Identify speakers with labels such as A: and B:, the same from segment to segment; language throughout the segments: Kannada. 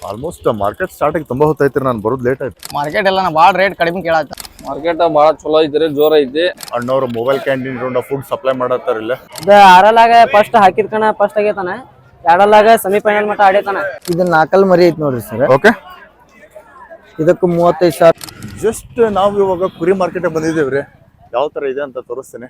A: ಆಲ್ಮೋಸ್ಟ್ ಮಾರ್ಕೆಟ್ ಸ್ಟಾರ್ಟ್ ಆಗಿ ತುಂಬಾ ಹೊತ್ತೈತ್ರಿ, ನಾನು ಬರೋದು ಲೇಟ್ ಆಯ್ತು.
B: ಮಾರ್ಕೆಟ್ ಎಲ್ಲ ಭಾಳ ರೇಟ್ ಕಡಿಮೆ ಕೇಳತ್ತ.
C: ಮಾರ್ಕೆಟ್ ಭಾಳ ಚಲೋ ಐತ್ರಿ, ಜೋರ ಐತಿ.
A: ಅಣ್ಣವ್ರು ಮೊಬೈಲ್ ಕ್ಯಾಂಟೀನ್ ಇಟ್ಕೊಂಡ ಫುಡ್ ಸಪ್ಲೈ ಮಾಡತ್ತಾರ ಇಲ್ಲ.
D: ಇದು ಆರಲ್ಲಾಗ ಫಸ್ಟ್ ಹಾಕಿದ ಕಣ ಫಸ್ಟ್ ಆಗೈತಾನ, ಎರಡಲ್ಲಾಗ ಸೆಮಿಫೈನಲ್ ಮಟ್ಟ ಆಡೈತಾನ. ಇದು ನಾಲ್ಕಲ್ ಮರಿ ಐತಿ ನೋಡ್ರಿ ಸರ್.
A: ಓಕೆ,
D: ಇದಕ್ಕೆ 35,000.
A: ಜಸ್ಟ್ ನಾವು ಇವಾಗ ಕುರಿ ಮಾರ್ಕೆಟ್ ಬಂದಿದ್ದೇವ್ರಿ. ಯಾವ ತರ ಇದೆ ಅಂತ ತೋರಿಸ್ತೇನೆ.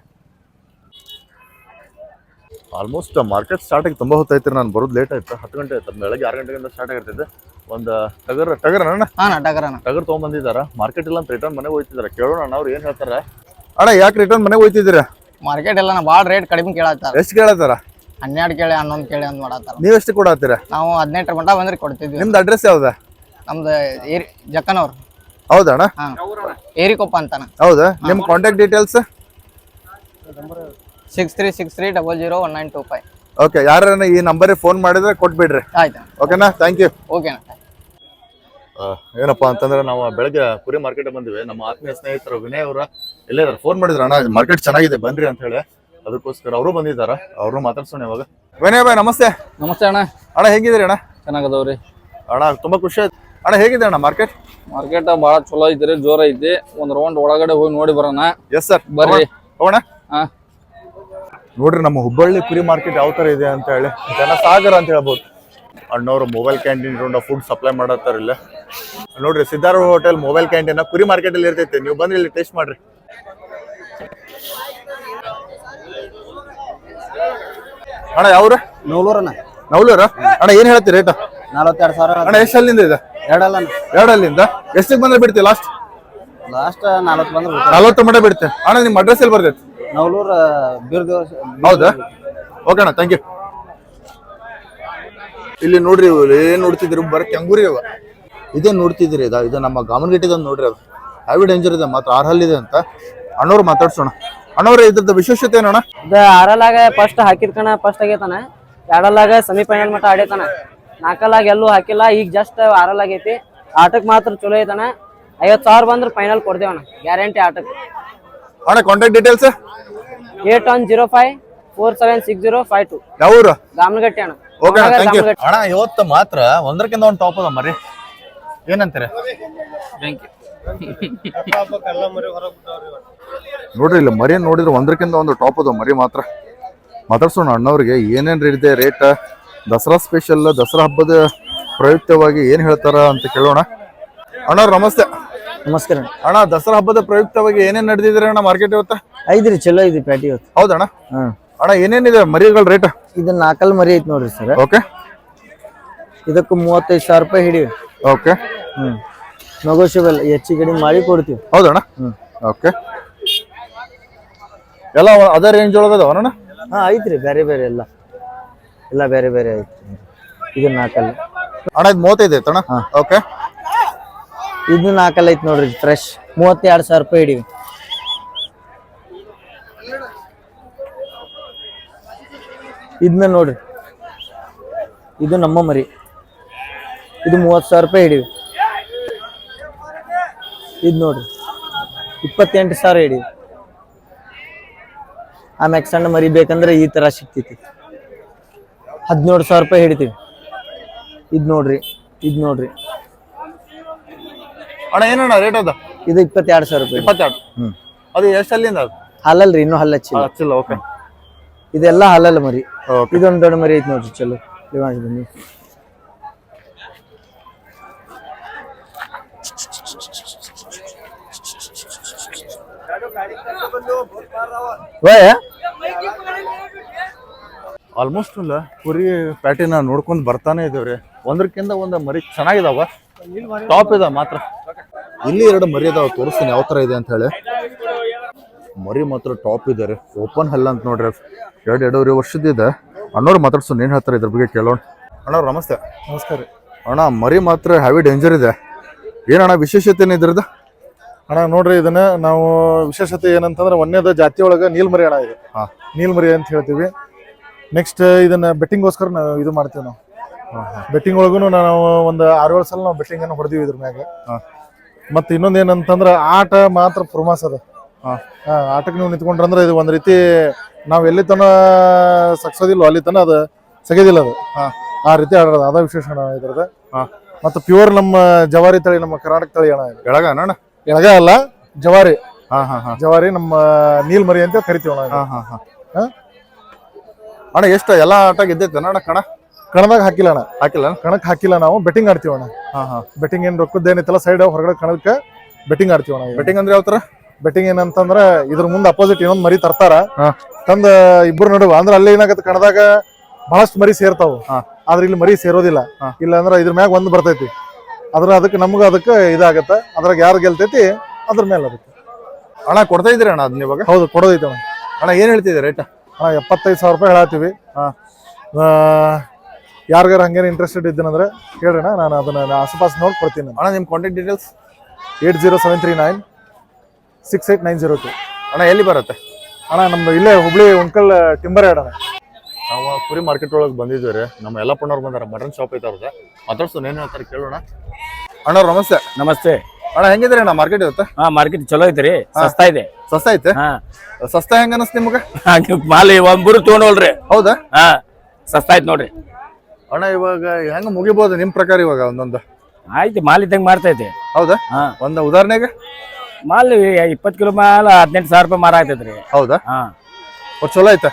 A: ಆಲ್ಮೋಸ್ಟ್ ಮಾರ್ಕೆಟ್ ಸ್ಟಾರ್ಟ್ ಆಗಿ ತುಂಬಾ ಹೊತ್ತೈತ್ರಿ, ನಾನು ಬರೋದು ಲೇಟ್ ಆಯ್ತು. 10 ಗಂಟೆ ಆಯ್ತು, ಬೆಳಗ್ಗೆ 6 ಗಂಟೆಗಿಂತ ಸ್ಟಾರ್ಟ್ ಆಗಿರ್ತೈತೆ. ಒಂದು ಟಗರ್ ಟಗರ್ ತೊಗೊಂಡ್ಬಂದಿದ್ದಾರ. ಮಾರ್ಕೆಟ್ ಇಲ್ಲ ಅಂತ ರಿಟರ್ನ್ ಮನೆಗೆ ಹೋಗ್ತಿದಾರೆ. ಕೇಳೋಣ ಅಣ್ಣ ಅವ್ರು ಏನ್ ಹೇಳ್ತಾರ. ಅಣ್ಣ ಯಾಕೆ ರಿಟರ್ನ್ ಮನೆಗೆ ಹೋಗ್ತಿದ್ದೀರಾ?
B: ಮಾರ್ಕೆಟ್ ಎಲ್ಲ ಭಾಳ ರೇಟ್ ಕಡಿಮೆ ಕೇಳತ್ತಾರ.
A: ಎಷ್ಟು ಕೇಳತ್ತಾರ?
B: 12 ಕೇಳಿ 11 ಕೇಳಿ ಅಂತ ಮಾಡತ್ತಾರ.
A: ನೀವ್ ಎಷ್ಟು ಕೊಡತ್ತೀರಾ?
B: ನಾವು 18 ಮಟ್ಟ ಬಂದ್ರೆ ಕೊಡ್ತಿದ್ವಿ.
A: ನಿಮ್ದು ಅಡ್ರೆಸ್ ಯಾವ್ದ?
B: ನಮ್ದು ಜಕ್ಕನವ್ರು.
A: ಹೌದಾ ಅಣ್ಣ?
B: ಏರಿಕೊಪ್ಪ ಅಂತಾನ.
A: ಹೌದಾ? ನಿಮ್ ಕಾಂಟ್ಯಾಕ್ಟ್ ಡೀಟೇಲ್ಸ್?
B: 6363001925.
A: ಓಕೆ, ಯಾರನ್ನ ಈ ನಂಬರ್ ಫೋನ್ ಮಾಡಿದ್ರೆ ಕೊಟ್ಬಿಡ್ರಿ.
B: ಆಯ್ತಾ?
A: ಓಕೆನಾ? Thank you.
B: ಓಕೆನಾ?
A: ಏನಪ್ಪಾ ಅಂತಂದ್ರೆ ನಾವು ಬೆಳಗ್ಗೆ ಕುರಿ ಮಾರ್ಕೆಟ್ ಬಂದಿವಿ. ನಮ್ಮ ಆತ್ಮೀಯ ಸ್ನೇಹಿತರು ವಿನಯ್ ಅವರ ಇಲ್ಲೇ ಇದಾರೆ. ಫೋನ್ ಮಾಡಿದ್ರು, ಅಣ್ಣ ಮಾರ್ಕೆಟ್ ಚೆನ್ನಾಗಿದೆ ಬನ್ರಿ ಅಂತ ಹೇಳಿ. ಅದಕ್ಕೋಸ್ಕರ ಅವರು ಬಂದಿದ್ದಾರ. ಅವ್ರನ್ನ ಮಾತಾಡ್ಸೋಣ ಇವಾಗ. ವಿನಯ್ ಬಾಯ್ ನಮಸ್ತೆ.
C: ನಮಸ್ತೆ ಅಣ್ಣ.
A: ಅಣ್ಣ ಹೇಗಿದ್ರಿ ಅಣ್ಣ?
C: ಚೆನ್ನಾಗದವ್ರಿ
A: ಅಣ್ಣ. ತುಂಬಾ ಖುಷಿ ಆಯ್ತು ಅಣ್ಣ. ಹೇಗಿದೆ ಅಣ್ಣ ಮಾರ್ಕೆಟ್?
C: ಮಾರ್ಕೆಟ್ ಭಾಳ ಚಲೋ ಐತ್ರಿ, ಜೋರ ಐತಿ. ಒಂದ್ ರೌಂಡ್ ಒಳಗಡೆ ಹೋಗಿ ನೋಡಿ ಬರೋಣ.
A: ಎಸ್ ಸರ್,
C: ಬರ್ರಿ.
A: ಹೋಗೋಣ.
C: ಹಾ
A: ನೋಡ್ರಿ ನಮ್ಮ ಹುಬ್ಬಳ್ಳಿ ಕುರಿ ಮಾರ್ಕೆಟ್ ಯಾವ ತರ ಇದೆ ಅಂತ ಹೇಳಿ. ಜನಸಾಗರ ಅಂತ ಹೇಳ್ಬೋದು. ಅಣ್ಣವ್ರು ಮೊಬೈಲ್ ಕ್ಯಾಂಟೀನ್ ಇಟ್ಕೊಂಡ ಫುಡ್ ಸಪ್ಲೈ ಮಾಡತ್ತಾರ ಇಲ್ಲ. ನೋಡ್ರಿ ಸಿದ್ಧಾರ್ಥ ಹೋಟೆಲ್ ಮೊಬೈಲ್ ಕ್ಯಾಂಟೀನ್ ಕುರಿ ಮಾರ್ಕೆಟ್ ಅಲ್ಲಿ ಇರ್ತೈತಿ. ನೀವು ಬಂದ್ರೆ ಇಲ್ಲಿ ಟೇಸ್ಟ್ ಮಾಡ್ರಿ. ಅಣ್ಣ ಯಾವ್ರ?
D: ನೂಲೂರನ.
A: ನವಲೂರ ಅಣ್ಣ. ಏನ್ ಹೇಳ್ತೀರಿ ರೇಟ್?
D: 42,000
A: ಅಣ್ಣ. ಎಷ್ಟು ಅಲ್ಲಿಂದ ಇದೆ? ಎರಡಲ್ಲಿಂದ ಎಷ್ಟಕ್ಕೆ ಬಂದ್ರೆ ಬಿಡ್ತೀವಿ? ಲಾಸ್ಟ್
D: 40 ಬಂದ್ರೆ
A: 40 ಮಟ್ಟ ಬಿಡ್ತೇವೆ ಅಣ್ಣ. ನಿಮ್ ಅಡ್ರೆಸ್ ಎಲ್ಲಿ ಬರ್ತೈತಿ?
D: ನವಲೂರ್
A: ಹೌದಾ? ಓಕೆ ಅಣ್ಣ, ಥ್ಯಾಂಕ್ ಯು. ಇಲ್ಲಿ ನೋಡ್ರಿ, ಏನ್ ನೋಡ್ತಿದ್ರಿ? ಬರ ಕೆಂಗೂರಿ ಅವ. ಇದೇ ನೋಡ್ತಿದ್ರಿ. ಇದು ನಮ್ಮ ಗಾಮನಗಿಟ್ಟಿದ ನೋಡ್ರಿ. ಅದು ಹ್ಯಾವಿ ಡೇಂಜರ್ ಇದೆ ಮಾತ್ರ. 6 ಹಲ್ಲಿದೆ ಅಂತ. ಅಣ್ಣವ್ರು ಮಾತಾಡ್ಸೋಣ. ಅಣ್ಣವ್ರ ಇದ್ರದ್ದು ವಿಶೇಷತೆ ಏನಣ್ಣ?
D: ಇದು ಆರಲ್ಲಾಗ ಫಸ್ಟ್ ಹಾಕಿದ ಕಣ ಫಸ್ಟ್ ಆಗೈತಾನ, ಎರಡಲ್ಲಾಗ ಸೆಮಿಫೈನಲ್ ಮಟ್ಟ ಆಡೈತಾನ. ನಾಲ್ಕಲ್ಲಾಗ ಎಲ್ಲೂ ಹಾಕಿಲ್ಲ. ಈಗ ಜಸ್ಟ್ ಆರಲ್ ಆಗೈತಿ. ಆಟಕ್ ಮಾತ್ರ ಚಲೋ ಐತಾನ. 50,000 ಬಂದ್ರೆ ಫೈನಲ್ ಕೊಡ್ದೇವಣ್ಣ, ಗ್ಯಾರಂಟಿ ಆಟಕ್ಕೆ.
A: ಅಣ್ಣ ಕಾಂಟ್ಯಾಕ್ಟ್ ಡೀಟೇಲ್ಸ್?
D: 8105476052.
A: ಯಾವೂರು?
D: ಗಾಮನಗಟ್ಟಿ ಅಣ್ಣ.
A: ಓಕೆ ಅಣ್ಣ, ಥ್ಯಾಂಕ್ ಯು. ಅಣ್ಣ ಇವತ್ತು ಮಾತ್ರ ಒಂದಕ್ಕಿಂತ ಒಂದು ಟಾಪ್ ಅದ ಮರಿ. ಏನಂತಾರೆ? ನೋಡ್ರಿ ಇಲ್ಲಿ ಮರಿ ನೋಡಿದ್ರೆ ಒಂದಕ್ಕಿಂತ ಒಂದು ಟಾಪ್ ಅದ ಮರಿ ಮಾತ್ರ. ಮಾತಾಡ್ಸೋಣ ಅಣ್ಣವ್ರಿಗೆ ಏನೇನ್ ಇದೆ ರೇಟ್. ದಸರಾ ಸ್ಪೆಷಲ್, ದಸರಾ ಹಬ್ಬದ ಪ್ರಯುಕ್ತವಾಗಿ ಏನ್ ಹೇಳ್ತಾರ ಅಂತ ಕೇಳೋಣ. ಅಣ್ಣವ್ರು ನಮಸ್ತೆ.
D: ನಮಸ್ಕಾರ
A: ಅಣ್ಣ. ದಸರಾ ಹಬ್ಬದ ಪ್ರಯುಕ್ತವಾಗಿ ಏನೇನ್ ನಡೆದಿದ್ರಿ ಅಣ್ಣ ಮಾರ್ಕೆಟ್ ಇವತ್ತ?
D: ಐದ್ರಿ, ಚಲೋ ಐತಿ ಪ್ಯಾಟಿ ಇವತ್ತು.
A: ಹೌದಣ್ಣ? ಅಣ್ಣ ಏನೇನಿದೆ ಮರಿಗಳ ರೇಟ್?
D: ಇದು 4 ಮರಿ ಐತಿ ನೋಡ್ರಿ ಸರ್.
A: ಓಕೆ,
D: ಇದಕ್ಕೆ 35,000 ರೂಪಾಯಿ ಹಿಡಿವಿ.
A: ಓಕೆ,
D: ನೆಗೋಷಿಯಬಲ್, ಹೆಚ್ಚು ಕಡಿಮೆ ಮಾಡಿ ಕೊಡ್ತೀವಿ.
A: ಹೌದಣ್ಣ? ಓಕೆ. ಎಲ್ಲ ಅದೇ ರೇಂಜ್ ಒಳಗದವಣ್ಣ?
D: ಹಾ ಐತ್ರಿ, ಬೇರೆ ಬೇರೆ ಎಲ್ಲ ಬೇರೆ ಬೇರೆ ಐತಿ. ಇದು 4
A: ಅಣ್ಣ. ಇದು 35 ಐತಣ್ಣ? ಓಕೆ.
D: ಇದು 4 ಐತಿ ನೋಡ್ರಿ, ಫ್ರೆಶ್. 32,000 ರೂಪಾಯಿ ಹಿಡಿವಿ. ಇದನ್ನ ನೋಡ್ರಿ, ಇದು ನಮ್ಮ ಮರಿ. ಇದು 30,000 ರೂಪಾಯಿ ಹಿಡಿವಿ. ಇದು ನೋಡ್ರಿ 28,000 ಹಿಡಿವಿ. ಆಮ್ಯಾಗ ಸಣ್ಣ ಮರಿ ಬೇಕಂದ್ರೆ ಈ ತರ ಸಿಗ್ತೈತಿ. 17,000 ರೂಪಾಯಿ ಹಿಡಿತೀವಿ. ಇದು ನೋಡ್ರಿ
A: ಅಣ್ಣ ಏನಣ್ಣ ರೇಟ್ ಅದ?
D: ಇದು 22,000 ರೂಪಾಯಿ.
A: 22. ಅದು ಎಷ್ಟು ಅಲ್ಲಿಂದ? ಅದು
D: ಹಾಲಲ್ರಿ, ಇನ್ನೂ ಹಲ್ಲ
A: ಹಚ್ಚಿಲ್ಲ. ಓಕೆ.
D: ಇದೆಲ್ಲ ಹಾಲಲ್ಲ ಮರಿ. ಇದೊಂದು ದೊಡ್ಡ ಮರಿ ಐತಿ ನೋಡ್ರಿ. ಚಲೋ ಬನ್ನಿ.
A: ಆಲ್ಮೋಸ್ಟ್ ಅಲ್ಲ ಕುರಿ ಪ್ಯಾಟಿನ ನೋಡ್ಕೊಂಡ್ ಬರ್ತಾನೆ ಇದೇವ್ರಿ. ಒಂದಕ್ಕಿಂತ ಒಂದು ಮರಿ ಚೆನ್ನಾಗಿದಾವ, ಟಾಪ್ ಇದೆ ಮಾತ್ರ. ಇಲ್ಲಿ 2 ಮರಿ ಅದಾವ, ತೋರಿಸ್ತೀನಿ ಯಾವ ತರ ಇದೆ ಅಂತ ಹೇಳಿ. ಮರಿ ಮಾತ್ರ ಟಾಪ್ ಇದೆ ರೀ. ಓಪನ್ ಹಲ್ಲ ಅಂತ ನೋಡ್ರಿ. 2.5 ವರ್ಷದಿದೆ. ಅಣ್ಣವ್ರು ಮಾತಾಡ್ಸೋಣ, ಏನ್ ಹೇಳ್ತಾರೆ ಇದ್ರ ಬಗ್ಗೆ ಕೇಳೋಣ. ಅಣ್ಣವ್ರು ನಮಸ್ತೆ.
E: ನಮಸ್ಕಾರ
A: ಅಣ್ಣ. ಮರಿ ಮಾತ್ರ ಹ್ಯಾವಿ ಡೇಂಜರ್ ಇದೆ. ಏನಣ್ಣ ವಿಶೇಷತೆ ಏನು ಇದ್ರದ್ದು?
E: ಅಣ್ಣ ನೋಡ್ರಿ, ಇದನ್ನ ನಾವು ವಿಶೇಷತೆ ಏನಂತಂದ್ರೆ ಒಂದೇದ ಜಾತಿ ಒಳಗ ನೀಲ್ಮರಿ ಅಣ್ಣ. ಇದು ನೀಲ್ಮರಿ ಅಂತ ಹೇಳ್ತೀವಿ. ನೆಕ್ಸ್ಟ್ ಇದನ್ನ ಬೆಟ್ಟಿಂಗ್ಗೋಸ್ಕರ ನಾವು ಇದು ಮಾಡ್ತೀವಿ. ನಾವು ಬೆಟ್ಟಿಂಗ್ ಒಳಗೂ ನಾವು ಒಂದು 6-7 ಸಲ ನಾವು ಬೆಟ್ಟಿಂಗ್ ಅನ್ನು ಹೊಡೆದಿವಿ ಇದ್ರ ಮ್ಯಾಗ. ಮತ್ತೆ ಇನ್ನೊಂದು ಏನಂತಂದ್ರೆ ಆಟ ಮಾತ್ರ ಪ್ರಮಾಸ ಅದ. ಆಟಕ್ಕೆ ನೀವು ನಿಂತ್ಕೊಂಡ್ರಂದ್ರೆ ಇದು ಒಂದ್ ರೀತಿ ನಾವ್ ಎಲ್ಲಿ ತನ ಸಕ್ಸೋದಿಲ್ಲ ಅಲ್ಲಿ ತನ ಅದು ಸಗೆದಿಲ್ಲ. ಅದು ಆ ರೀತಿ ಆಡೋದು, ಅದ ವಿಶೇಷ ಇದ್ರದ. ಮತ್ತು ಪ್ಯೂರ್ ನಮ್ಮ ಜವಾರಿ ತಳಿ, ನಮ್ಮ ಕರ್ನಾಟಕ ತಳಿ ಅಣ್ಣ.
A: ಎಳಗ ಅಣ್ಣ?
E: ಎಳಗ ಅಲ್ಲ, ಜವಾರಿ.
A: ಹಾ
E: ಜವಾರಿ ನಮ್ಮ ನೀಲ್ಮರಿ ಅಂತ ಕರಿತೀವಿ ಅಣ್ಣ.
A: ಹಾ ಅಣ್ಣ ಎಷ್ಟು ಎಲ್ಲ ಆಟ ಗೆದ್ದೈತೆ ಅಣ್ಣ?
E: ಕಣದಾಗ ಹಾಕಿಲ್ಲ ಅಣ್ಣ.
A: ಹಾಕಿಲ್ಲ?
E: ಕಣಕ್ ಹಾಕಿಲ್ಲ, ನಾವು ಬೆಟ್ಟಿಂಗ್ ಆಡ್ತೀವಿ ಅಣ್ಣ. ಬೆಟ್ಟಿಂಗ್ ಏನ್ ರೊಕ್ಕದ್ದೇನಿತ್ತಲ್ಲ, ಸೈಡ್ ಹೊರಗಡೆ ಕಣಕ್ಕೆ ಬೆಟ್ಟಿಂಗ್ ಆಡ್ತೀವಿ ಅಣ್ಣ.
A: ಬೆಟ್ಟಿಂಗ್ ಅಂದ್ರೆ ಯಾವ ತರ?
E: ಬೆಟ್ಟಿಂಗ್ ಏನಂತಂದ್ರ ಇದ್ರ ಮುಂದೆ ಅಪೋಸಿಟ್ ಇನ್ನೊಂದ್ ಮರಿ ತರ್ತಾರ, ತಂದ ಇಬ್ರು ನಡುವ ಅಂದ್ರೆ ಅಲ್ಲಿ ಏನಾಗತ್ತೆ, ಕಣದಾಗ ಬಹಳಷ್ಟು ಮರಿ ಸೇರ್ತಾವ, ಆದ್ರೆ ಇಲ್ಲಿ ಮರಿ ಸೇರೋದಿಲ್ಲ. ಇಲ್ಲ ಅಂದ್ರೆ ಇದ್ರ ಮ್ಯಾಗ ಒಂದ್ ಬರ್ತೈತಿ, ಅದಕ್ಕೆ ನಮ್ಗ ಅದಕ್ಕೆ ಇದಾಗತ್ತ. ಅದ್ರಾಗ ಯಾರು ಗೆಲ್ತೈತಿ ಅದ್ರ ಮೇಲೆ ಅದಕ್ಕೆ.
A: ಅಣ್ಣ ಕೊಡ್ತಾ ಇದ್ರಿ ಅಣ್ಣ ಅದನ್ನ ಇವಾಗ?
E: ಹೌದು, ಕೊಡೋದೈತೆ ಅಣ್ಣ.
A: ಅಣ್ಣ ಏನ್ ಹೇಳ್ತಿದ್ದೆ ರೇಟ್?
E: ಅಣ್ಣ 75,000 ರೂಪಾಯಿ ಹೇಳತ್ತೀವಿ. ಯಾರಿಗಾರ ಹಂಗೇನು ಇಂಟ್ರೆಸ್ಟೆಡ್ ಇದ್ದೀನಂದ್ರೆ ಹೇಳ್ರಿ ಅಣ್ಣ, ನಾನು ಅದನ್ನ ಆಸುಪಾಸು ನೋಡಿ ಕೊಡ್ತೀನಿ.
A: ಅಣ್ಣ ನಿಮ್ಮ ಕಾಂಟ್ಯಾಕ್ಟ್ ಡೀಟೇಲ್ಸ್?
E: 80739 6892.
A: ಅಣ್ಣ ಎಲ್ಲಿ ಬರುತ್ತೆ?
E: ಅಣ್ಣ ನಮ್ದು ಇಲ್ಲೇ ಹುಬ್ಳಿ ಉಣ್ಕಲ್ ಟಿಂಬರ್ ಯಾರ್ಡ್ ಅಣ್ಣ.
A: ನಾವು ಕುರಿ ಮಾರ್ಕೆಟ್ ಒಳಗೆ ಬಂದಿದ್ದೀವಿ ರೀ. ನಮ್ಮ ಯಲ್ಲಪ್ಪಣ್ಣವ್ರು ಬಂದಾರ, ಮಟನ್ ಶಾಪ್ ಐತೆ ಅವ್ರದ್ದು. ಮಾತಾಡ್ಸೋಣ, ಏನ್ ಹೇಳ್ತಾರೆ ಕೇಳೋಣ. ಅಣ್ಣವ್ರು ನಮಸ್ತೆ.
F: ನಮಸ್ತೆ
A: ಅಣ್ಣ, ಹೆಂಗಿದ್ರಿ ಅಣ್ಣ ಮಾರ್ಕೆಟ್ ಇವತ್ತು?
F: ಮಾರ್ಕೆಟ್ ಚಲೋ ಐತ್ರಿ, ಸಸ್ತಾ ಇದೆ.
A: ಸಸ್ತಾ ಐತೆ? ಸಸ್ತಾ ಹೆಂಗ ಅನಸ್ತ ನಿಮ್ಗೆ?
F: ಮಾಲ್ ಒಂಬರು ತಗೊಂಡೋಲ್ರಿ.
A: ಹೌದಾ?
F: ಸಸ್ತಾ ಐತ್ ನೋಡ್ರಿ
A: ಅಣ್ಣ. ಇವಾಗ ಹೆಂಗ ಮುಗಿಬಹುದು ನಿಮ್ ಪ್ರಕಾರ ಇವಾಗ ಒಂದೊಂದು?
F: ಆಯ್ತು, ಮಾಲ್ ಇದ್ದಂಗೆ ಮಾಡ್ತೈತಿ.
A: ಹೌದಾ? ಒಂದು ಉದಾಹರಣೆಗೆ
F: ಮಾಲ್ 20 ಕಿಲೋ ಮಾಲ್ 18,000 ರೂಪಾಯಿ ಮಾರ ಆಗ್ತೈತ್ರಿ.
A: ಹೌದಾ? ಚಲೋ ಐತೆ.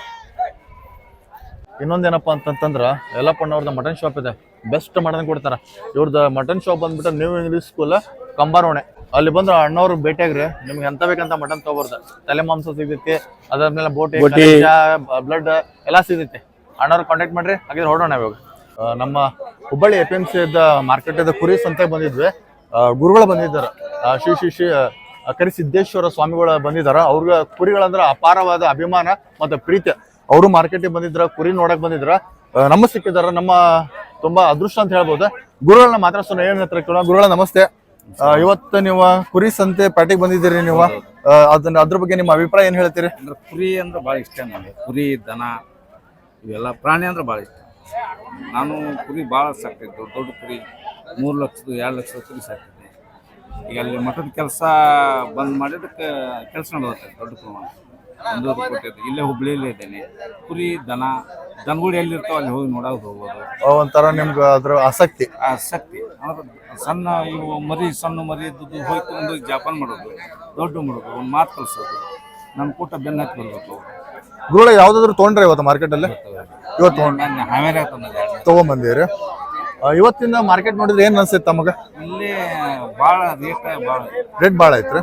A: ಇನ್ನೊಂದೇನಪ್ಪ ಅಂತಂದ್ರ ಯಲ್ಲಪ್ಪಣ್ಣವ್ರದ್ದು ಮಟನ್ ಶಾಪ್ ಇದೆ, ಬೆಸ್ಟ್ ಮಟನ್ ಕೊಡ್ತಾರ. ಇವ್ರದ್ದು ಮಟನ್ ಶಾಪ್ ಬಂದ್ಬಿಟ್ಟು ನ್ಯೂ ಇಂಗ್ಲಿಷ್ ಸ್ಕೂಲ್ ಕಂಬಾರೋಣೆ. ಅಲ್ಲಿ ಬಂದ್ರೆ ಅಣ್ಣವ್ರು ಭೇಟಿಯಾಗ್ರಿ, ನಿಮ್ಗೆ ಎಂತ ಬೇಕಂತ ಮಟನ್ ತಗೋಬಾರ್ದು. ತಲೆ ಮಾಂಸ ಸಿಗ್ತೈತಿ, ಅದಾದ್ಮೇಲೆ ಬೋಟಿ, ಬ್ಲಡ್ ಎಲ್ಲಾ ಸಿಗ್ತೈತಿ. ಅಣ್ಣವ್ರು ಕಾಂಟ್ಯಾಕ್ಟ್ ಮಾಡ್ರಿ. ಹಾಗಿದ್ರೆ ಹೊರಡೋಣ ಇವಾಗ. ನಮ್ಮ ಹುಬ್ಬಳ್ಳಿ APMC ಮಾರ್ಕೆಟ್ ಕುರಿ ಸಂತೆ ಬಂದಿದ್ವಿ. ಗುರುಗಳು ಬಂದಿದ್ದಾರೆ, ಶ್ರೀ ಕರಿಸಿದ್ದೇಶ್ವರ ಸ್ವಾಮಿಗಳು ಬಂದಿದ್ದಾರೆ. ಅವ್ರಿಗೆ ಕುರಿಗಳಂದ್ರೆ ಅಪಾರವಾದ ಅಭಿಮಾನ ಮತ್ತೆ ಪ್ರೀತಿ. ಅವರು ಮಾರ್ಕೆಟಿಗೆ ಬಂದಿದ್ರ, ಕುರಿ ನೋಡಕ್ ಬಂದಿದ್ರ, ನಮ್ಮ ಸಿಕ್ಕಿದಾರ. ನಮ್ಮ ತುಂಬಾ ಅದೃಷ್ಟ ಅಂತ ಹೇಳ್ಬೋದು. ಗುರುಗಳನ್ನ ಮಾತಾಡ್ಸೋಣ, ಏನ್ ಹತ್ರ ಕೇಳೋಣ. ಗುರುಗಳ ನಮಸ್ತೆ. ಇವತ್ತು ನೀವು ಕುರಿ ಸಂತೆ ಪ್ಯಾಟಿಗೆ ಬಂದಿದ್ದೀರಿ. ನೀವು ಅದ್ರ ಬಗ್ಗೆ ನಿಮ್ಮ ಅಭಿಪ್ರಾಯ ಏನ್ ಹೇಳ್ತೀರಿ?
G: ಅಂದ್ರೆ ಕುರಿ ಅಂದ್ರೆ ಭಾಳ ಇಷ್ಟ ನನಗೆ. ಕುರಿ, ದನ ಇವೆಲ್ಲ ಪ್ರಾಣಿ ಅಂದ್ರೆ ಭಾಳ ಇಷ್ಟ. ನಾನು ಕುರಿ ಭಾಳ ಸಾಕ್ತಿದ್ದೆ, ದೊಡ್ಡ ದೊಡ್ಡ ಕುರಿ 3 ಲಕ್ಷದ 2 ಲಕ್ಷದ ಕುರಿ ಸಾಕ್ತಿದ್ದೆ. ಈಗ ಅಲ್ಲಿ ಮಠದ ಕೆಲಸ ಬಂದ್ ಮಾಡಿದಕ್ಕೆ ಕೆಲಸ ನಡೆಯುತ್ತೆ ದೊಡ್ಡ ಪ್ರಮಾಣ. 1 ಕೊಟ್ಟಿದ್ದೆ. ಇಲ್ಲೇ ಹುಬ್ಳಿಯಲ್ಲೇ ಇದ್ದೇನೆ. ಕುರಿ, ದನಗಳು ಎಲ್ಲಿರ್ತಾವ ಅಲ್ಲಿ ಹೋಗಿ ನೋಡೋದು ಹೋಗ್ಬೋದು.
A: ಒಂಥರ ನಿಮ್ಗೆ ಅದ್ರ ಆಸಕ್ತಿ?
G: ಆಸಕ್ತಿ ಅಂದ್ರೆ ಸಣ್ಣ ಇವು ಸಣ್ಣ ಮರಿ ಇದ್ದದ್ದು ಹೋಗಿ ತಗೊಂಡು ಜಾಪಾನ್ ಮಾಡೋದು, ದೊಡ್ಡ ಮಾಡೋದು, ಒಂದು ಮಾತು ಕಲಿಸೋದು, ನಮ್ಮ ಕೂಟ ಬೆನ್ನ ಹತ್ತಿ ಬರ್ಬೇಕು.
A: ಗುರುಗಳ ಯಾವ್ದಾದ್ರು ತೊಗೊಂಡ್ರೆ ಇವತ್ತು ಮಾರ್ಕೆಟ್ ಅಲ್ಲಿ? ಇವತ್ತು ತಗೊಂಡ್ಬಂದಿರಿ. ಇವತ್ತಿನ ಮಾರ್ಕೆಟ್ ನೋಡಿದ್ರೆ ಏನ್ ಅನ್ಸುತ್ತೆ ತಮಗ?
G: ಇಲ್ಲಿ ಭಾಳ
A: ರೇಟ್ ಭಾಳ ಐತ್ರಿ.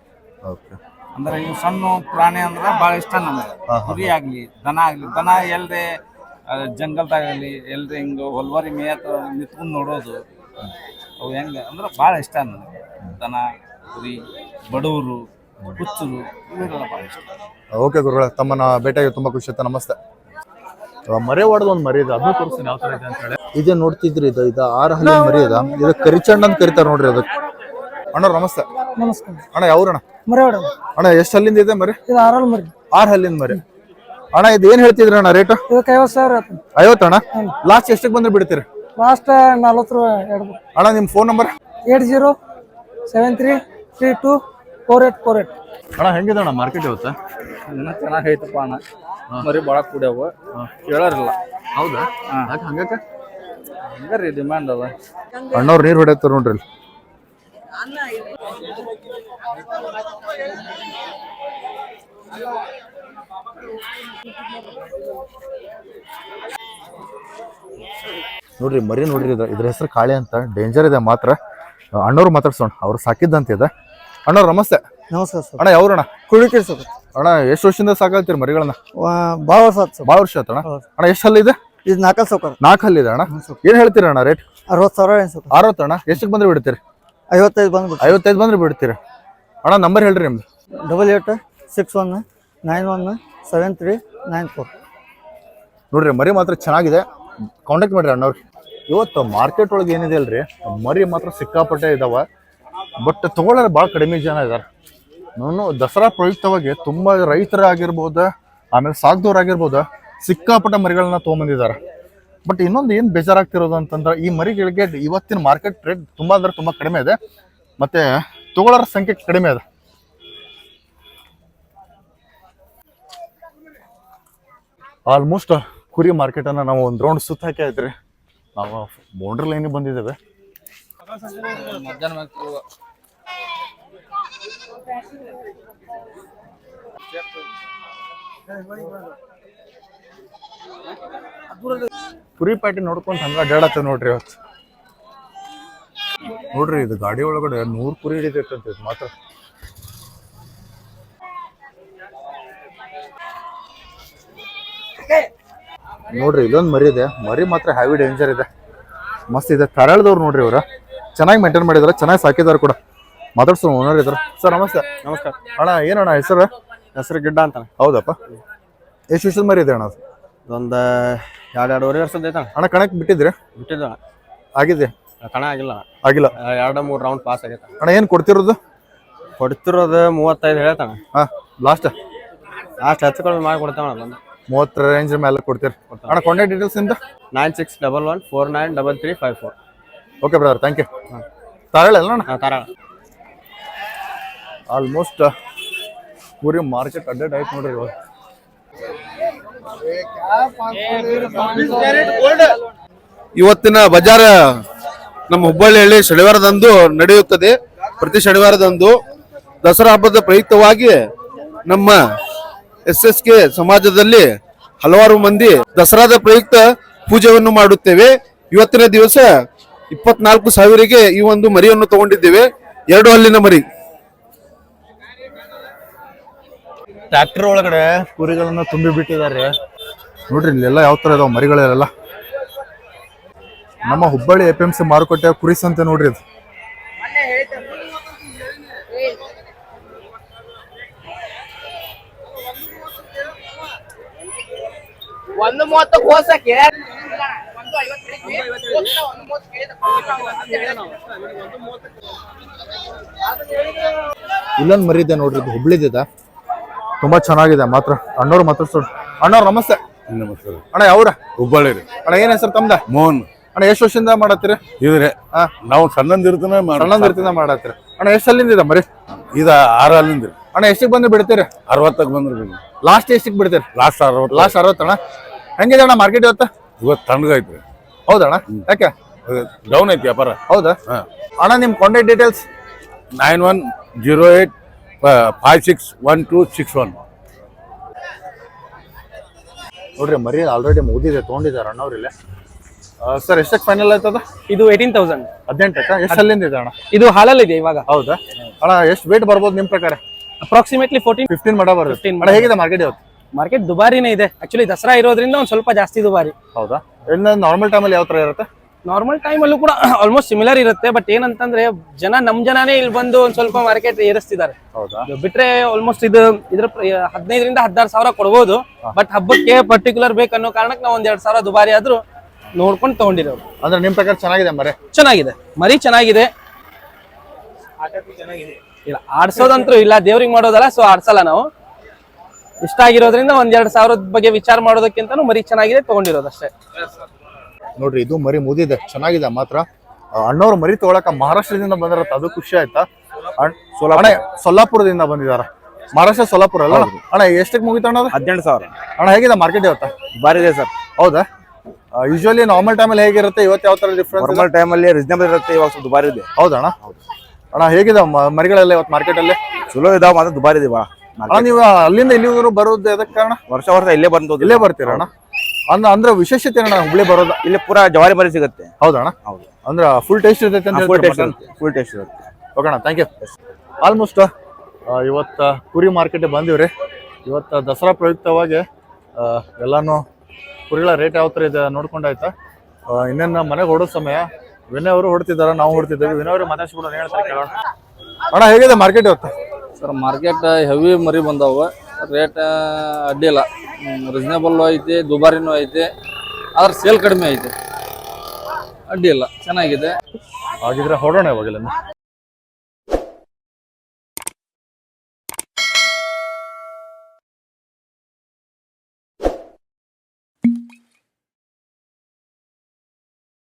G: ಅಂದ್ರೆ ಇವು ಸಣ್ಣ ಪ್ರಾಣಿ ಅಂದ್ರೆ ಭಾಳ ಇಷ್ಟ ನಮಗೆ. ಕುರಿ ಆಗ್ಲಿ, ದನ ಆಗ್ಲಿ. ದನ ಎಲ್ರಿ ಜಂಗಲ್ದಾಗಲಿ ಎಲ್ರಿ ಹಿಂಗ ಹೊಲ್ವಾರಿ ಮೇಯತ್ ನಿಂತ್ಕೊಂಡು ನೋಡೋದು, ಅವು ಹೆಂಗ ಅಂದ್ರೆ ಭಾಳ ಇಷ್ಟ ನನಗೆ. ದನ, ಕುರಿ, ಬಡವರು, ಹುಚ್ಚರು ಇವೆಲ್ಲ ಭಾಳ ಇಷ್ಟ.
A: ಓಕೆ ಗುರುಗಳ, ತಮ್ಮನ್ನ ಭೇಟಿಯಾಗಿ ತುಂಬಾ ಖುಷಿ ಆಯ್ತು. ನಮಸ್ತೆ. ಮರಿ ಹೊಡೆದ ಒಂದು ಮರಿ ಇದೆ, ಅದನ್ನ ತೋರಿಸ್ತೀನಿ ಯಾವ ತರ ಇದೆ ಅಂತ ಹೇಳಿ. ಇದೇ ನೋಡ್ತಿದ್ರಿ, ಇದು 6 ಹಲ್ಲಿನ ಮರಿ ಇದೆ. ಇದು ಕರಿಚಂಡ ಅಂತ ಕರಿತಾರ ನೋಡ್ರಿ ಅದಕ್ಕೆ. ಅಣ್ಣ ನಮಸ್ತೆ.
H: ನಮಸ್ಕಾರ
A: ಅಣ್ಣ, ಯಾವ್ರಣ್ಣ?
H: ಮರವಾಡ
A: ಅಣ್ಣ. ಎಷ್ಟು ಹಲ್ಲಿಂದ ಇದೆ ಮರಿ?
H: ಇದು 6 ಮರಿ.
A: 6 ಹಲ್ಲಿನ ಮರಿ. ಅಣ್ಣ ಇದು ಏನ್ ಹೇಳ್ತಿದ್ರಿ ಅಣ್ಣ ರೇಟ್?
H: ಇದಕ್ಕೆ 50,000.
A: 50 ಅಣ್ಣ. ಲಾಸ್ಟ್ ಎಷ್ಟಕ್ಕೆ ಬಂದ್ರೆ ಬಿಡ್ತೀರಿ?
H: ಲಾಸ್ಟ್ 40 ರೂಪಾಯಿ.
A: ಅಣ್ಣ ನಿಮ್ ಫೋನ್ ನಂಬರ್?
H: 8073324848.
A: ಅಣ್ಣ ಹೆಂಗಿದೆ ಅಣ್ಣ ಮಾರ್ಕೆಟ್ ಇವತ್ತು?
C: ಚೆನ್ನಾಗೈತಪ್ಪ ಅಣ್ಣ. ಮರಿ ಭಾಳ ಕೂಡ್ಯಾವ, ಕೇಳಾರಿಲ್ಲ.
A: ಹೌದಾ? ಹಂಗಕ್ಕೆ
C: ಹಂಗಾರಿ ಡಿಮ್ಯಾಂಡ್ ಅದ.
A: ಅಣ್ಣವ್ರು ನೀರ್ ಹೊಡೆಯತ್ತಾರ ನೋಡ್ರಿ. ನೋಡ್ರಿ ಮರಿ ನೋಡ್ರಿ, ಇದ್ರ ಹೆಸರು ಕಾಳಿ ಅಂತ. ಡೇಂಜರ್ ಇದೆ ಮಾತ್ರ. ಅಣ್ಣವ್ರು ಮಾತಾಡ್ಸೋಣ, ಅವ್ರು ಸಾಕಿದ್ದಂತಿದೆ. ಅಣ್ಣವ್ರು ನಮಸ್ತೆ.
H: ನಮಸ್ಕಾರ ಸರ್.
A: ಅಣ್ಣ ಯಾವ್ರಣ್ಣ?
H: ಕುಳಿಕೆ ಸರ್.
A: ಅಣ್ಣ ಎಷ್ಟು ವರ್ಷದಿಂದ ಸಾಕಲ್ತೀರಿ ಮರಿಗಳನ್ನ?
H: ಭಾಳ ವರ್ಷ ಆಯ್ತು ಸರ್.
A: ಭಾಳ ವರ್ಷ ಆಯ್ತಣ್ಣ. ಅಣ್ಣ ಎಷ್ಟು ಹಲ್ಲಿದೆ?
H: ಇದು 4 ಸೌಕರ್.
A: 4 ಹಲ್ಲಿದೆ ಅಣ್ಣ. ಏನ್ ಹೇಳ್ತೀರಿ ಅಣ್ಣ ರೇಟ್?
H: 60,000.
A: 60 ಅಣ್ಣ. ಎಷ್ಟಕ್ಕೆ ಬಂದ್ರೆ ಬಿಡ್ತೀರಿ?
H: 55 ಬಂದ್ಬಿಟ್ಟು.
A: 55 ಬಂದ್ರೆ ಬಿಡ್ತೀರಿ. ಅಣ್ಣ ನಂಬರ್ ಹೇಳ್ರಿ ನಿಮ್ದು.
H: 8861917394.
A: ನೋಡ್ರಿ ಮರಿ ಮಾತ್ರ ಚೆನ್ನಾಗಿದೆ, ಕಾಂಟ್ಯಾಕ್ಟ್ ಮಾಡ್ರಿ ಅಣ್ಣವ್ರಿ. ಇವತ್ತು ಮಾರ್ಕೆಟ್ ಒಳಗೆ ಏನಿದೆ ಅಲ್ರಿ, ಮರಿ ಮಾತ್ರ ಸಿಕ್ಕಾಪಟ್ಟೆ ಇದಾವ. ಬಟ್ ತಗೊಳ್ಳೋರು ಭಾಳ ಕಡಿಮೆ ಜನ ಇದಾರೆ. ನಾನು ದಸರಾ ಪ್ರಯುಕ್ತವಾಗಿ ತುಂಬಾ ರೈತರಾಗಿರ್ಬೋದು, ಆಮೇಲೆ ಸಾಕ್ದವ್ರಾಗಿರ್ಬೋದು, ಸಿಕ್ಕಾಪಟ್ಟೆ ಮರಿಗಳನ್ನ ತೊಗೊಂಬಂದಿದ್ದಾರೆ. ಬಟ್ ಇನ್ನೊಂದು ಏನು ಬೇಜಾರಾಗ್ತಿರೋದು ಅಂತಂದ್ರೆ, ಈ ಮರಿಗಳಿಗೆ ಇವತ್ತಿನ ಮಾರ್ಕೆಟ್ ರೇಟ್ ತುಂಬಾ ಅಂದ್ರೆ ತುಂಬಾ ಕಡಿಮೆ ಇದೆ, ಮತ್ತೆ ತಗೊಳ್ಳೋರ ಸಂಖ್ಯೆ ಕಡಿಮೆ ಇದೆ. ಆಲ್ಮೋಸ್ಟ್ ಕುರಿ ಮಾರ್ಕೆಟನ್ನು ನಾವು ಒಂದು ರೌಂಡ್ ಸುತ್ತ ಹಾಕಿ ಆಯ್ತು ರೀ. ನಾವು ಬೌಂಡ್ರಿ ಲೈನಿಗೆ ಬಂದಿದ್ದೇವೆ.
C: ಮಧ್ಯಾಹ್ನ ಮ್ಯಾಗ
A: ಕುರಿ ಪ್ಯಾಟಿ ನೋಡ್ಕೊಂತ ಹಂಗ ಅಡ್ಡಾಡತ್ತ ನೋಡ್ರಿ ಇವತ್ತು. ನೋಡ್ರಿ ಇದು ಗಾಡಿ ಒಳಗಡೆ 100 ಕುರಿ ಹಿಡಿತೈತಂತ ಇದು ಮಾತ್ರ. ನೋಡ್ರಿ ಇಲ್ಲೊಂದು ಮರಿ ಇದೆ, ಮರಿ ಮಾತ್ರ ಹೆವಿ ಡೇಂಜರ್ ಇದೆ, ಮಸ್ತ್ ಇದೆ. ತರಳದವ್ರು ನೋಡ್ರಿ ಇವ್ರ ಚೆನ್ನಾಗಿ ಮೇಂಟೈನ್ ಮಾಡಿದಾರೆ, ಚೆನ್ನಾಗಿ ಸಾಕಿದಾರೆ ಕೂಡ. ಮಾತಾಡ್ಸೋ ಓನರ್ ಇದ್ರು. ಸರ್ ನಮಸ್ತೆ.
F: ನಮಸ್ಕಾರ.
A: ಅಣ್ಣ ಏನಣ್ಣ ಹೆಸರು?
F: ಹೆಸರು ಗಿಡ್ಡ ಅಂತ.
A: ಹೌದಪ್ಪ, ಎಷ್ಟು ವರ್ಷದ ಮರಿ ಇದೆ ಅಣ್ಣ ಅದು?
F: ಒಂದು 2-2.5 ವರ್ಷದ ಐತಣ್ಣ.
A: ಅಣ್ಣ ಕಣಕ್ ಬಿಟ್ಟಿದ್ರಿ?
F: ಬಿಟ್ಟಿದ್ದ
A: ಆಗಿದೆ?
F: ಕಣ ಆಗಿಲ್ಲ,
A: ಆಗಿಲ್ಲ.
F: 2-3 ರೌಂಡ್ ಪಾಸ್ ಆಗೈತೆ.
A: ಅಣ್ಣ ಏನು ಕೊಡ್ತಿರೋದು?
F: ಕೊಡ್ತಿರೋದು 35 ಹೇಳ್ತಾನ.
A: ಹಾ, ಲಾಸ್ಟ್
F: ಹೆಚ್ಚು ಕಡಿಮೆ ಮಾಡಿ ಕೊಡ್ತಾವಣ. ಬಂದು
A: 30 ರೇಂಜ್ ಮೇಲೆ ಕೊಡ್ತೀರಿ. ಅಣ್ಣ ಕಾಂಟ್ಯಾಕ್ಟ್ ಡೀಟೇಲ್ಸ್ ಇಂದ
F: 9611493354.
A: Okay brother, thank you. ತಾರಳ ಅಲ್ಲ ಅಣ್ಣ?
F: ತಾರಾಳ.
A: ಆಲ್ಮೋಸ್ಟ್ ಪೂರಿ ಮಾರ್ಕೆಟ್ ಅಡ್ಡೆಡ್ ಆಯ್ತು ನೋಡ್ರಿ ಇವಾಗ.
I: ಇವತ್ತಿನ ಬಜಾರ ನಮ್ಮ ಹುಬ್ಬಳ್ಳಿಯಲ್ಲಿ ಶನಿವಾರದಂದು ನಡೆಯುತ್ತದೆ. ಪ್ರತಿ ಶನಿವಾರದಂದು ದಸರಾ ಹಬ್ಬದ ಪ್ರಯುಕ್ತವಾಗಿ ನಮ್ಮ SSK ಸಮಾಜದಲ್ಲಿ ಹಲವಾರು ಮಂದಿ ದಸರಾದ ಪ್ರಯುಕ್ತ ಪೂಜೆಯನ್ನು ಮಾಡುತ್ತೇವೆ. ಇವತ್ತಿನ ದಿವಸ 24,000ಗೆ ಈ ಒಂದು ಮರಿಯನ್ನು ತಗೊಂಡಿದ್ದೇವೆ, 2 ಹಲ್ಲಿನ ಮರಿ.
A: ಟ್ರ್ಯಾಕ್ಟರ್ ಒಳಗಡೆ ಕುರಿಗಳನ್ನ ತುಂಬಿ ಬಿಟ್ಟಿದ್ದಾರೆ ನೋಡ್ರಿ. ಇಲ್ಲೆಲ್ಲ ಯಾವ ತರ ಇದಾವ ಮರಿಗಳೆಲ್ಲ. ನಮ್ಮ ಹುಬ್ಬಳ್ಳಿ APMC ಮಾರುಕಟ್ಟೆ ಕುರಿ ಸಂತೆ ನೋಡ್ರಿ ಇದು. ಇಲ್ಲೊಂದು ಮರಿ ಇದೆ ನೋಡ್ರಿ, ಇದು ಹುಬ್ಳಿದಿದೆ, ತುಂಬಾ ಚೆನ್ನಾಗಿದೆ ಮಾತ್ರ. ಅಣ್ಣವ್ರು ಮಾತಾಡ್ಸೋರು. ಅಣ್ಣವ್ರು ನಮಸ್ತೆ.
I: ನಮಸ್ಕಾರ
A: ಅಣ್ಣ ಯಾವ್ರ?
I: ಹುಬ್ಬಳ್ಳಿ ರೀ.
A: ಅಣ್ಣ ಏನ್ ಹೆಸರು ತಮ್ದ?
I: ಮೋಹನ್.
A: ಅಣ್ಣ ಎಷ್ಟು ವರ್ಷದಿಂದ ಮಾಡತ್ತೀರಿ?
I: ಇದ್ರಿ ನಾವು ಸಣ್ಣಂದಿರ್ತಾನೆ
A: ಸಣ್ಣಂದಿರ್ತಿಂದ ಮಾಡತ್ತೀರಿ. ಅಣ್ಣ ಎಷ್ಟು ಅಲ್ಲಿಂದ ಇದೆ ಮರಿ?
I: ಇದ 6 ಅಲ್ಲಿಂದ್ರಿ.
A: ಅಣ್ಣ ಎಷ್ಟಿಗೆ ಬಂದು ಬಿಡ್ತೀರಿ?
I: 60ಕ್ಕೆ ಬಂದ್ರಿ.
A: ಲಾಸ್ಟ್ ಎಷ್ಟಿಗೆ ಬಿಡ್ತೀರಿ?
I: ಲಾಸ್ಟ್ 60.
A: ಲಾಸ್ಟ್ 60 ಅಣ್ಣ. ಹೆಂಗಿದೆ ಅಣ್ಣ ಮಾರ್ಕೆಟ್ ಇವತ್ತು?
I: ಇವತ್ತು ತಣ್ಣಗೈತ್ರಿ.
A: ಹೌದಣ್ಣ, ಯಾಕೆ
I: ಡೌನ್ ಐತಿ ವ್ಯಾಪಾರ?
A: ಹೌದಾ ಅಣ್ಣ. ನಿಮ್ ಕಾಂಟ್ಯಾಕ್ಟ್ ಡೀಟೇಲ್ಸ್?
I: 9108561261.
A: ನೋಡ್ರಿ ಮರಿ ಆಲ್ರೆಡಿ ಮುಗಿದಿದೆ, ತೊಗೊಂಡಿದ್ದಾರೆ ಅಣ್ಣವ್ರು ಇಲ್ಲೇ. ಸರ್ ಎಷ್ಟಕ್ಕೆ ಫೈನಲ್ ಆಯ್ತದ?
F: ಇದು 18,000.
A: 18ಕ್ಕ? ಎಷ್ಟು ಅಲ್ಲಿಂದ ಇದೆ ಅಣ್ಣ?
F: ಇದು ಹಾಲಲ್ಲಿದೆ ಇವಾಗ.
A: ಹೌದಾ ಅಣ್ಣ, ಎಷ್ಟು ವೇಟ್ ಬರ್ಬೋದು ನಿಮ್ ಪ್ರಕಾರ?
F: ಅಪ್ರಾಕ್ಸಿಮೇಟ್ಲಿ
A: 15 ಮಡ ಬರುತ್ತೆ.
F: 15
A: ಅಣ್ಣ ಹೇಗಿದೆ ಮಾರ್ಕೆಟ್ ಇವತ್ತು?
F: ಮಾರ್ಕೆಟ್ ದುಬಾರಿನೇ ಇದೆ. ಆಕ್ಚುಲಿ ದಸರಾ ಇರೋದ್ರಿಂದ ಒಂದು ಸ್ವಲ್ಪ ಜಾಸ್ತಿ ದುಬಾರಿ.
A: ಹೌದಾ? ಇನ್ನು ನಾರ್ಮಲ್ ಟೈಮಲ್ಲಿ ಯಾವ ತರ ಇರುತ್ತೆ?
F: ನಾರ್ಮಲ್ ಟೈಮಲ್ಲೂ ಕೂಡ ಆಲ್ಮೋಸ್ಟ್ ಸಿಮಿಲರ್ ಇರುತ್ತೆ. ಬಟ್ ಏನಂತಂದ್ರೆ ನಮ್ ಜನನೇ ಇಲ್ಲಿ ಬಂದು ಒಂದ್ ಸ್ವಲ್ಪ ಮಾರ್ಕೆಟ್ ಏರಿಸ್ತಿದ್ದಾರೆ.
A: ಹೌದಾ?
F: ಬಿಟ್ರೆ ಆಲ್ಮೋಸ್ಟ್ ಇದ್ರ 15,000 ರಿಂದ 16,000 ಕೊಡ್ಬೋದು. ಬಟ್ ಹಬ್ಬಕ್ಕೆ ಪರ್ಟಿಕ್ಯುಲರ್ ಬೇಕನ್ನೋ ಕಾರಣಕ್ಕೆ ನಾವು 1-2,000 ದುಬಾರಿ ಆದ್ರೂ ನೋಡ್ಕೊಂಡು ತಗೊಂಡಿರೋದು.
A: ಅಂದ್ರೆ ನಿಮ್ ಪ್ರಕಾರ ಚೆನ್ನಾಗಿದೆ ಮರಿ?
F: ಚೆನ್ನಾಗಿದೆ ಮರಿ, ಚೆನ್ನಾಗಿದೆ. ಇಲ್ಲ ಆಡ್ಸೋದಂತೂ ಇಲ್ಲ, ದೇವ್ರಿಗೆ ಮಾಡೋದಲ್ಲ, ಸೊ ಆಡ್ಸಲ್ಲ ನಾವು. ಇಷ್ಟ ಆಗಿರೋದ್ರಿಂದ 1-2,000 ಬಗ್ಗೆ ವಿಚಾರ ಮಾಡೋದಕ್ಕಿಂತ ಮರಿ ಚೆನ್ನಾಗಿದೆ, ತಗೊಂಡಿರೋದು ಅಷ್ಟೇ.
A: ನೋಡ್ರಿ ಇದು ಮರಿ ಮುದಿದೆ, ಚೆನ್ನಾಗಿದೆ ಮಾತ್ರ. ಅಣ್ಣವ್ರು ಮರಿ ತಗೊಳಕ ಮಹಾರಾಷ್ಟ್ರದಿಂದ ಬಂದಿರತ್ತ, ಅದು ಖುಷಿ ಆಯ್ತಾ? ಅಣ್ಣ ಸೊಲ್ಲಾಪುರದಿಂದ ಬಂದಿದಾರ. ಮಹಾರಾಷ್ಟ್ರ ಸೊಲ್ಲಾಪುರ ಅಲ್ಲ ಅಣ್ಣ? ಎಷ್ಟಕ್ಕೆ ಮುಗಿತ ಅಣ್ಣ?
F: 18,000.
A: ಅಣ್ಣ ಹೇಗಿದೆ ಮಾರ್ಕೆಟ್ ಇವತ್ತ?
F: ಬಾರಿ ಇದೆ ಸರ್.
A: ಹೌದಾ? ಯೂಶುವಲಿ ನಾರ್ಮಲ್ ಟೈಮಲ್ಲಿ ಹೇಗಿರುತ್ತೆ, ಇವತ್ತು ಯಾವ ತರ ಡಿಫ್ರೆನ್ಸ್?
F: ನಾರ್ಮಲ್ ಟೈಮಲ್ಲಿ ರೀಸನೇಬಲ್ ಇರುತ್ತೆ, ಇವಾಗ ಸ್ವಲ್ಪ ದುಬಾರಿ ಇದೆ.
A: ಹೌದಣ್ಣ? ಅಣ್ಣ ಹೇಗಿದೆ ಮರಿಗಳೆಲ್ಲ ಇವತ್ತು ಮಾರ್ಕೆಟ್ ಅಲ್ಲಿ?
F: ಚಲೋ ಇದಾವ, ಮಾತ್ರ ದುಬಾರಿ ಇದೆ.
A: ಅಣ್ಣ ನೀವು ಅಲ್ಲಿಂದ ಇಲ್ಲಿವರೆಗೂ ಬರೋದು ಎದಕ್ಕೆ ಕಾರಣ?
F: ವರ್ಷ ಇಲ್ಲೇ ಬಂದು
A: ಇಲ್ಲೇ ಬರ್ತೀರ ಅಣ್ಣ? ಅಂದ್ರೆ ವಿಶೇಷತೆ ಅಣ್ಣ ಹುಬ್ಳಿ ಬರೋದು?
F: ಇಲ್ಲಿ ಪೂರಾ ಜವಾರಿ ಮರಿ ಸಿಗುತ್ತೆ.
A: ಹೌದಣ್ಣ? ಹೌದು. ಅಂದ್ರೆ ಫುಲ್ ಟೇಸ್ಟ್ ಇರ್ತೈತೆ ಅಂತ?
F: ಫುಲ್ ಟೇಸ್ಟ್ ಇರುತ್ತೆ.
A: ಓಕೆ ಅಣ್ಣ, ಥ್ಯಾಂಕ್ ಯು. ಆಲ್ಮೋಸ್ಟ್ ಇವತ್ತು ಕುರಿ ಮಾರ್ಕೆಟ್ ಬಂದಿವ್ರಿ. ಇವತ್ತು ದಸರಾ ಪ್ರಯುಕ್ತವಾಗಿ ಎಲ್ಲಾನು ಕುರಿಗಳ ರೇಟ್ ಯಾವ ಥರ ಇದೆ ನೋಡ್ಕೊಂಡಾಯ್ತಾ. ಇನ್ನೇನು ಮನೆಗೆ ಹೊಡೋ ಸಮಯ. ವಿನಯ್ ಅವರು ಹೊಡ್ತಿದ್ದಾರೆ, ನಾವು ಹೊಡ್ತಿದ್ದೇವೆ. ವಿನಯ್ ಅವರು ಮಾತಾಡ್ಸ್ಬಿಟ್ಟು ಹೇಳ್ತಾರೆ, ಕೇಳೋಣ. ಅಣ್ಣ ಹೇಗಿದೆ ಮಾರ್ಕೆಟ್ ಇವತ್ತು?
C: ಸರ್ ಮಾರ್ಕೆಟ್ ಹೆವಿ ಮರಿ ಬಂದಾವ, ರೇಟ್ ಅಡ್ಡಿಲ್ಲ, ರೀಸನೇಬಲ್ ಐತಿ, ದುಬಾರಿನೂ ಐತಿ, ಆದ್ರೆ ಸೇಲ್ ಕಡಿಮೆ ಐತಿ, ಅಡ್ಡಿಲ್ಲ, ಚೆನ್ನಾಗಿದೆ.
A: ಹಾಗಿದ್ರೆ ಹೊಡೋಣ ಇವಾಗೆಲ್ಲ.